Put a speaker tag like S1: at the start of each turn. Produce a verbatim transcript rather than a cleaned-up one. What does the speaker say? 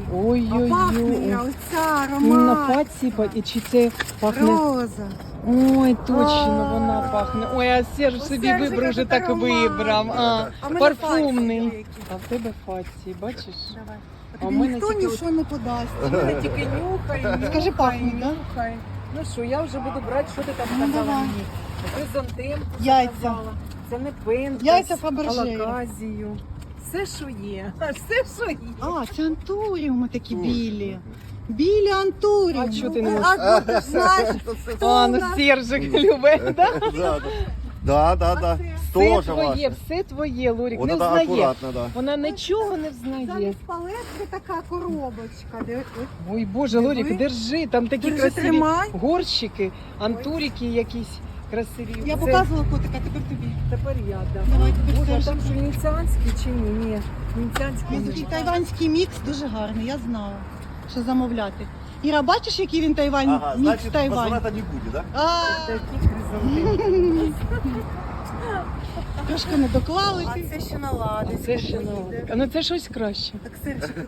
S1: А
S2: Ой-ой-ой.
S1: пахне оця
S2: Ну, на
S1: аромат.
S2: паці, па- і чи це пахне?
S1: Роза.
S2: Ой, точно
S1: А.
S2: вона пахне. Ой, а Серж
S1: У
S2: собі
S1: Сержика
S2: вибрав вже
S1: тут
S2: так
S1: аромат.
S2: вибрав. А,
S1: А в мене
S2: парфумний.
S1: пальці великі.
S2: А в тебе фаці, бачиш?
S1: Давай.
S2: А
S1: А
S2: в
S1: тобі
S2: мене
S1: ніхто
S2: тільки
S1: нічого не подасть.
S2: Мене тільки нюхай, нюхай,
S1: Скажи, пахне, да?
S2: нюхай. Ну що, я вже буду брати, що ти там
S1: Ну,
S2: сказала
S1: давай.
S2: мені? Хризантем
S1: Яйця.
S2: сказала. Це не пентас,
S1: Яйця Фаберже.
S2: алаказію. Все, що є. Все, що є.
S1: А, це антуріуми такі білі. Білі антуріуми.
S2: А чого ти не можеш?
S1: А ти ж знаєш, хто
S2: А,
S1: у
S2: ну
S1: нас?
S2: Сержик любить, да?
S3: Да, да, да, да.
S2: Все
S3: Тоже
S2: твоє,
S3: ваше.
S2: все твоє, Лорік,
S3: Вот
S2: не
S3: это
S2: взнає.
S3: аккуратно, да.
S2: Вона нічого не взнає.
S1: Замість палетки така коробочка. Де- ой,
S2: Ой, Боже, Лорік,
S1: Диви.
S2: держи, там такі
S1: Держи,
S2: красиві
S1: тримай.
S2: горщики, антурики якісь красиві.
S1: Я
S2: Це-
S1: показувала котика, тепер тобі.
S2: Тепер я, да.
S1: Давай, тепер
S2: Боже, а
S1: Сержик.
S2: там що венеціанський чи ні? Ні, венеціанський
S1: Ось такий
S2: немає.
S1: тайванський мікс дуже гарний, я знала, що замовляти. Іра, бачиш, який він тайвань,
S3: Ага,
S1: мікс
S3: значит,
S1: Тайвань?
S3: возврата не будет, да?
S1: А,
S2: Такі хризантеми.
S1: трошки не доклали.
S2: А це ще наладить. Ну це щось краще.
S1: Так, Сержик,